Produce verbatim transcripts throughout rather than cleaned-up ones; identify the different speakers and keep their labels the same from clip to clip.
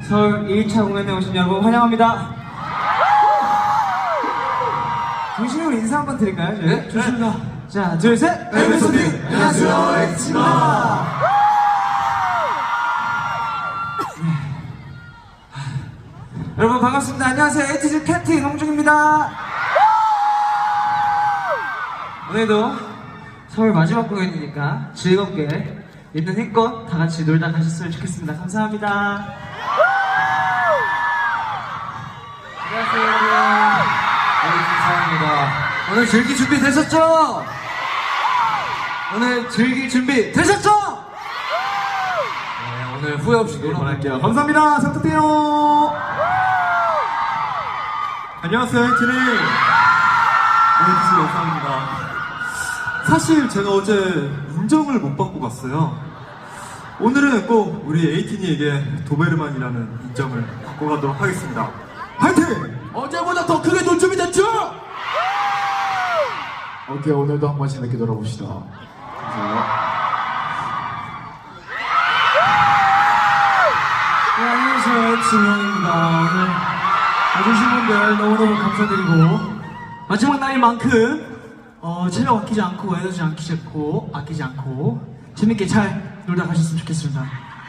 Speaker 1: 서울 일 차 공연에 오신 여러분 환영합니다. 중심으로 인사 한번 드릴까요? 저희?
Speaker 2: 네?
Speaker 1: 좋습니다. 자, 둘, 셋!
Speaker 2: 엠에스오디! 안녕하세요, 엑스입니다.
Speaker 1: 여러분 반갑습니다. 안녕하세요. 에이티즈 캡틴 홍중입니다. 오늘도 서울 마지막 공연이니까 즐겁게 있는 힘껏 다 같이 놀다 가셨으면 좋겠습니다. 감사합니다. 안녕하세요, 여러분.
Speaker 2: 네, 감사합니다. 오늘 즐길 준비 되셨죠? 오늘 즐길 준비 되셨죠? 네, 오늘 후회 없이 놀아 보낼게요.
Speaker 3: 감사합니다. 상투피요. 안녕하세요, 에이티니. 에이티즈 영상입니다. 사실 제가 어제 인정을 못 받고 갔어요. 오늘은 꼭 우리 에이티니에게 도베르만이라는 인정을 받고 가도록 하겠습니다. 화이팅!
Speaker 2: 어제보다 더 크게 놀 준비 됐죠?
Speaker 4: 오케이, 오늘도 한번 재밌게 놀아봅시다. 감사해요.
Speaker 1: 네, 안녕하세요. 엑스 형입니다. 오늘 와주신 분들 너무너무 감사드리고 마지막 날인 만큼 어, 체력 아끼지 않고 에너지 아끼지 않고 아끼지 않고 재밌게 잘 놀다 가셨으면 좋겠습니다.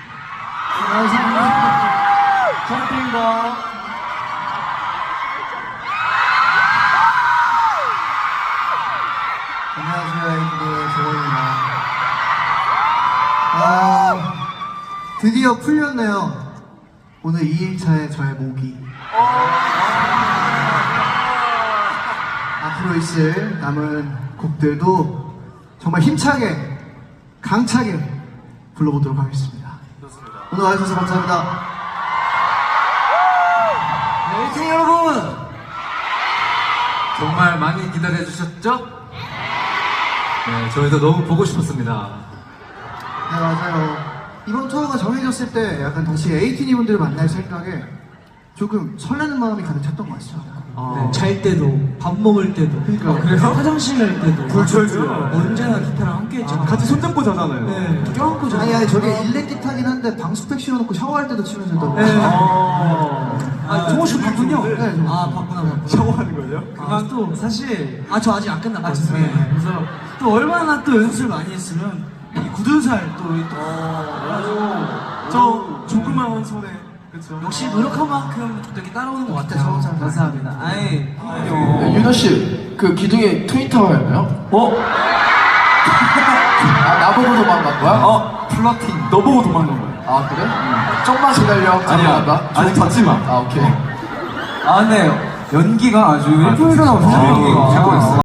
Speaker 1: 감사합니다. 저한테입니다.
Speaker 5: 안녕하세요, 에이티니 조원입니다. 아, 드디어 풀렸네요. 오늘 이 일차의 저의 목이. 앞으로 있을 남은 곡들도 정말 힘차게, 강차게 불러보도록 하겠습니다. 오늘 와주셔서 감사합니다.
Speaker 2: 네, 에이티니 여러분! 정말 많이 기다려주셨죠? 네, 저희도 너무 보고 싶었습니다.
Speaker 5: 네, 맞아요. 이번 투어가 정해졌을 때 약간 다시 에이티니 분들을 만날 생각에 조금 설레는 마음이 가득 찼던 것 같습니다.
Speaker 1: 네, 잘 때도 밥 먹을 때도
Speaker 5: 그러니까.
Speaker 1: 아, 그래요? 화장실 갈 때도
Speaker 3: 불철주야.
Speaker 1: 언제나 기타랑 함께 했잖아요.
Speaker 3: 같이 손잡고 자잖아요.
Speaker 1: 네, 껴안고 자요.
Speaker 5: 아니, 아니, 저게 일렉 기타긴 한데 방수팩 씌워놓고 샤워할 때도 치면서 또.
Speaker 1: 네.
Speaker 3: 아,
Speaker 1: 아, 종호 씨 봤군요.
Speaker 5: 네, 네.
Speaker 1: 아, 봤구나, 봤구나.
Speaker 3: 샤워하는 거죠?
Speaker 1: 아, 또 사실 아, 저 아직 안 끝났거든요. 네. 그래서 또 얼마나 또 연습을 많이 했으면 이 굳은 살 또, 또 어,
Speaker 3: 저 조그마한 손에 그쵸?
Speaker 1: 역시 노력한 만큼 또 이렇게 따라오는 것 같아요.
Speaker 5: 좋은 사람.
Speaker 1: 감사합니다. 아이,
Speaker 4: 네, 유나 씨, 그 기둥에 트윈타워였나요?
Speaker 3: 어?
Speaker 4: 아, 나보고 도망간 거야?
Speaker 3: 어? 플러팅 너 보고 도망간 거야.
Speaker 4: 아, 그래? 음. 좀만 기다려. 도망간다.
Speaker 3: 아직 닫지 마.
Speaker 4: 아, 오케이.
Speaker 2: 아, 네. 연기가 아주 일품이가 나오시죠,
Speaker 3: 아,
Speaker 2: 연기가.
Speaker 3: 최고였어요.